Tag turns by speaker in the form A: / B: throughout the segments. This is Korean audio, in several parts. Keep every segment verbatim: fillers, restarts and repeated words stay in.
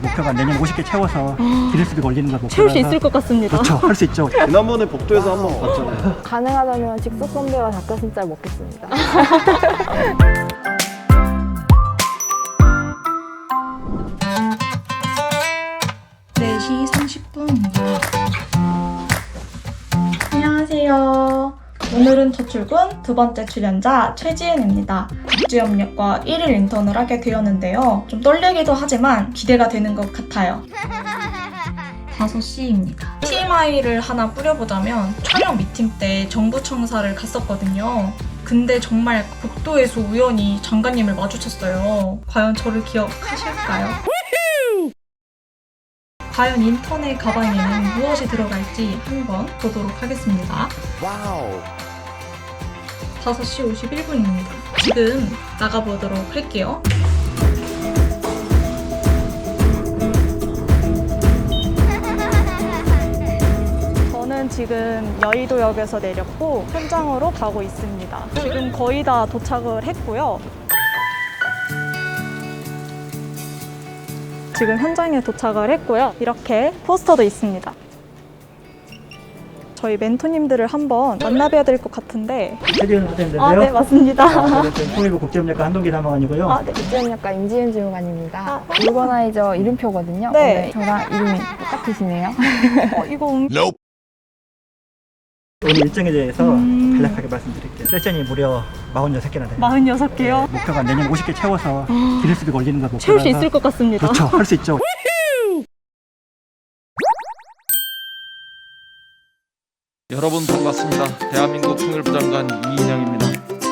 A: 목표가 내년 오십 개 채워서 기네스북 올리는 거 목표라서
B: 채울 수 있을 것 같습니다.
A: 그렇죠. 할 수 있죠.
C: 지난번에 복도에서 한번 봤잖아요.
D: 가능하다면 직속 선배와 닭가슴살 먹겠습니다.
E: 네 시 삼십 분입니다. 안녕하세요. 오늘은 첫 출근 두 번째 출연자 최지은입니다. 국제협력과 일 일 인턴을 하게 되었는데요. 좀 떨리기도 하지만 기대가 되는 것 같아요. 다섯 시입니다. 티엠아이를 하나 뿌려보자면 촬영 미팅 때 정부청사를 갔었거든요. 근데 정말 복도에서 우연히 장관님을 마주쳤어요. 과연 저를 기억하실까요? 과연 인턴의 가방에는 무엇이 들어갈지 한번 보도록 하겠습니다.
C: 와우.
E: 다섯 시 오십일 분입니다. 지금 나가보도록 할게요.
B: 저는 지금 여의도역에서 내렸고 현장으로 가고 있습니다. 지금 거의 다 도착을 했고요. 지금 현장에 도착을 했고요. 이렇게 포스터도 있습니다. 저희 멘토님들을 한번 만나봐야 될 것 같은데.
A: 최지은 선생님인데요.
B: 아, 네, 맞습니다.
A: 통일부 국제협력과 한동기 사무관이고요.
B: 아, 네.
D: 국제협력과 임지은 주무관입니다.
B: 아.
D: 물건아이저 이름표거든요.
B: 네.
D: 오늘 저랑 이름이 똑같으시네요.
B: 어, 이거 음...
A: 오늘 일정에 대해서
B: 음.
A: 간략하게 말씀드릴게요. 세션이 무려 사십육 개나 돼요.
B: 사십육 개요?
A: 목표가 내년 오십 개 채워서 기네스북 올리는 거 목표라서
B: 채울 수 있을 것 같습니다.
A: 그렇죠. 할 수 있죠.
F: 여러분 반갑습니다. 대한민국 통일부 장관 이인영입니다.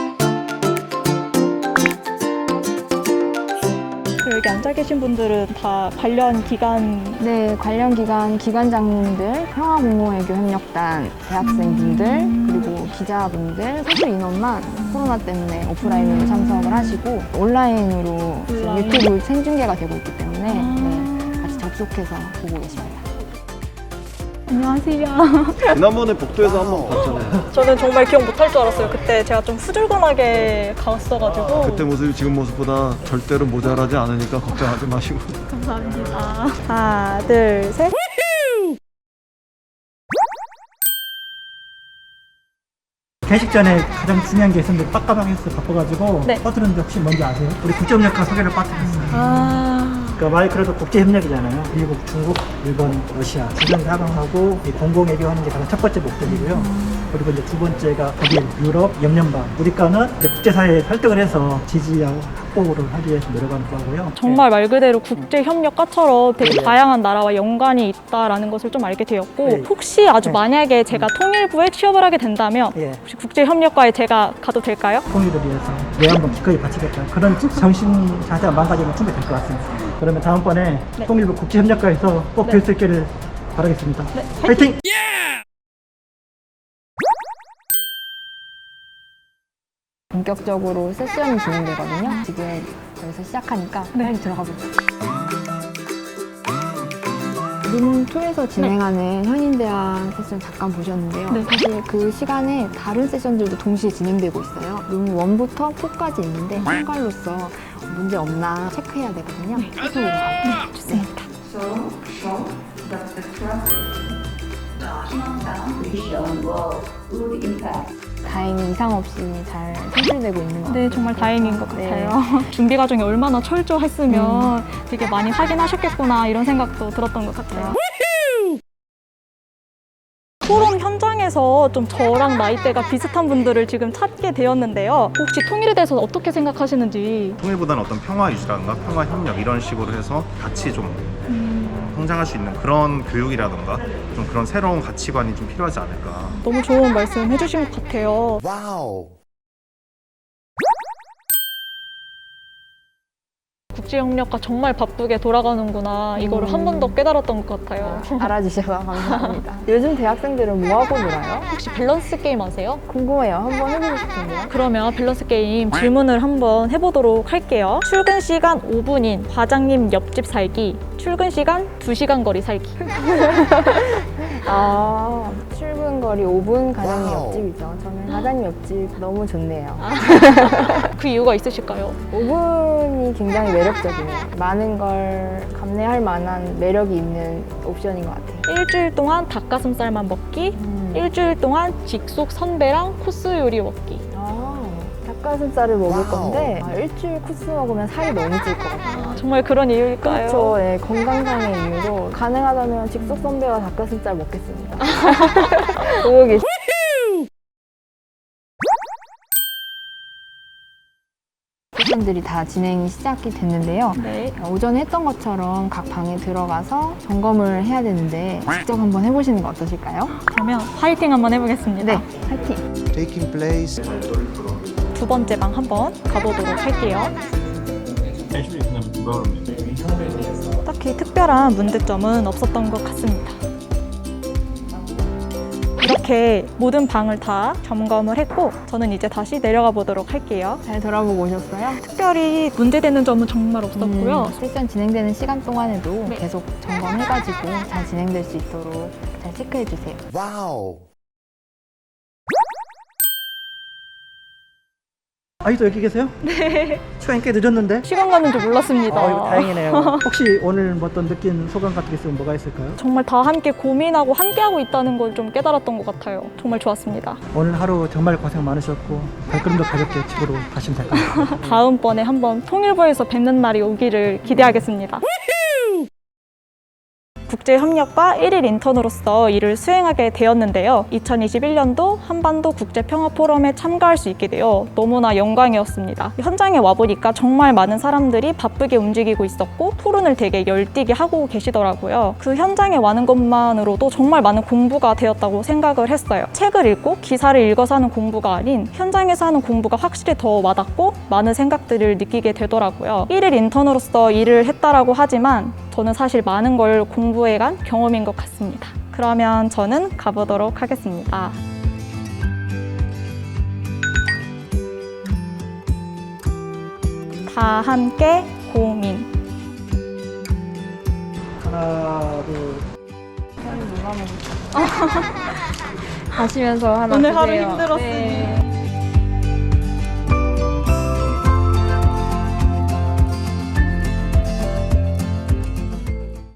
B: 여기 앉아 계신 분들은 다 관련 기관.
D: 네, 관련 기관 기관장님들, 평화공무외교 협력단 대학생분들, 그리고 기자분들, 소수 인원만 코로나 때문에 오프라인으로 참석을 하시고 온라인으로 지금
B: 온라인.
D: 유튜브 생중계가 되고 있기 때문에
B: 아.
D: 네, 같이 접속해서 보고 계십니다.
B: 안녕하세요.
C: 지난번에 복도에서 한번 봤잖아요.
B: 저는 정말 기억 못할 줄 알았어요. 그때 제가 좀 후줄근하게 갔어가지고.
C: 그때 모습이 지금 모습보다 절대로 모자라지 않으니까 걱정하지 마시고.
B: 감사합니다. 하나, 둘, 셋.
A: 회식 전에 가장 중요한 게 있었는데 빡가방에서 바빠가지고
B: 네.
A: 빠뜨렸는데 혹시 뭔지 아세요? 우리 국제협력과 소개를 빠뜨렸어요.
B: 아.
A: 그러니까 말 그래도 국제협력이잖아요. 미국, 중국, 일본, 러시아 주변 사방하고 이 공공외교하는 게 가장 첫 번째 목적이고요. 그리고 이제 두 번째가 독일, 유럽, 영연방 우리 과는 이제 국제사회에 설득을 해서 지지하고 확보를 하기 위해서 노력하는 거고요.
B: 정말 말 그대로 국제협력과처럼 되게
A: 네.
B: 다양한 나라와 연관이 있다라는 것을 좀 알게 되었고
A: 네.
B: 혹시 아주
A: 네.
B: 만약에 제가 통일부에 취업을 하게 된다면
A: 예.
B: 혹시 국제협력과에 제가 가도 될까요?
A: 통일을 위해서 내 한번 기꺼이 바치겠다. 그런 정신 자세가 망가지면 충분히 될 것 같습니다. 그러면 다음번에
B: 네.
A: 통일부 국제협력과에서 꼭 뵐 수
B: 네.
A: 있기를 바라겠습니다.
B: 네,
A: 화이팅!
D: 본격적으로 세션이 진행되거든요. 지금 여기서 시작하니까
B: 네.
D: 빨리 들어가 보죠. 룸 투에서 진행하는 현인대학 세션 잠깐 보셨는데요.
B: 네.
D: 사실 그 시간에 다른 세션들도 동시에 진행되고 있어요. 룸 원부터 사까지 있는데 참관로서 문제 없나 체크해야 되거든요. 이쪽으로 가볼게요.
B: 네, 좋습니다.
D: 다행히 이상 없이 잘 선출되고 있는 것 같아요.
B: 네, 정말 다행인 것
D: 네.
B: 같아요. 준비 과정이 얼마나 철저했으면 되게 많이 확인하셨겠구나 이런 생각도 들었던 것 같아요. 토론 현장에서 좀 저랑 나이대가 비슷한 분들을 지금 찾게 되었는데요. 혹시 통일에 대해서 어떻게 생각하시는지.
G: 통일보다는 어떤 평화 유지라든가 평화 협력 이런 식으로 해서 같이 좀
B: 음,
G: 성장할 수 있는 그런 교육이라든가 좀 그런 새로운 가치관이 좀 필요하지 않을까.
B: 너무 좋은 말씀 해주신 것 같아요.
C: 와우.
B: 국제협력과 정말 바쁘게 돌아가는구나 이거를
D: 음.
B: 한 번 더 깨달았던 것 같아요.
D: 알아주셔서 감사합니다. 요즘 대학생들은 뭐하고 놀아요?
B: 혹시 밸런스 게임 아세요?
D: 궁금해요. 한번 해보고 싶은데요.
B: 그러면 밸런스 게임 질문을 한번 해보도록 할게요. 출근 시간 오 분인 과장님 옆집 살기, 출근 시간 두 시간 거리 살기.
D: 아, 출근 상거리 오 분 가량의 옆집이죠. 저는 사장님 옆집 너무 좋네요.
B: 그 이유가 있으실까요?
D: 오 분이 굉장히 매력적이네요. 많은 걸 감내할 만한 매력이 있는 옵션인 것 같아요.
B: 일주일 동안 닭가슴살만 먹기,
D: 음.
B: 일주일 동안 직속 선배랑 코스 요리 먹기.
D: 아, 닭가슴살을 먹을 건데 아, 일주일 코스 먹으면 살이 너무 찔 것 같아요.
B: 아, 정말 그런 이유일까요?
D: 그렇죠. 네, 건강상의 이유로 가능하다면 직속 선배와 닭가슴살 먹겠습니다. 보고 계시. 세션들이 다 진행이 시작이 됐는데요.
B: 네.
D: 오전에 했던 것처럼 각 방에 들어가서 점검을 해야 되는데 직접 한번 해보시는 거 어떠실까요?
B: 그러면 화이팅 한번 해보겠습니다.
D: 네, 파이팅!
H: taking place.
B: 두 번째 방 한번 가보도록 할게요. 딱히 특별한 문제점은 없었던 것 같습니다. 이렇게 모든 방을 다 점검을 했고 저는 이제 다시 내려가 보도록 할게요.
D: 잘 돌아보고 오셨어요?
B: 특별히 문제되는 점은 정말 없었고요.
D: 음, 실전 진행되는 시간 동안에도
B: 네.
D: 계속 점검해가지고 잘 진행될 수 있도록 잘 체크해주세요.
H: Wow.
A: 아직도 여기 계세요? 네. 시간이 꽤 늦었는데?
B: 시간 가는 줄 몰랐습니다.
A: 아, 이거 다행이네요. 혹시 오늘 뭐 어떤 느낀 소감 같은 게 있으면 뭐가 있을까요?
B: 정말 다 함께 고민하고 함께하고 있다는 걸 좀 깨달았던 것 같아요. 정말 좋았습니다.
A: 오늘 하루 정말 고생 많으셨고 발걸음도 가볍게 집으로 가시면 될 것 같아요.
B: 다음번에 한번 통일부에서 뵙는 날이 오기를 기대하겠습니다. 국제협력과 일일 인턴으로서 일을 수행하게 되었는데요. 이천이십일 년도 한반도 국제평화포럼에 참가할 수 있게 되어 너무나 영광이었습니다. 현장에 와보니까 정말 많은 사람들이 바쁘게 움직이고 있었고 토론을 되게 열띠게 하고 계시더라고요. 그 현장에 와는 것만으로도 정말 많은 공부가 되었다고 생각을 했어요. 책을 읽고 기사를 읽어서 하는 공부가 아닌 현장에서 하는 공부가 확실히 더 와닿고 많은 생각들을 느끼게 되더라고요. 일일 인턴으로서 일을 했다라고 하지만 저는 사실 많은 걸 공부해간 경험인 것 같습니다. 그러면 저는 가보도록 하겠습니다. 다 함께 고민.
A: 하나, 둘,
D: 가시면서 하나
B: 오늘 하루
D: 드세요.
B: 힘들었으니.
D: 네.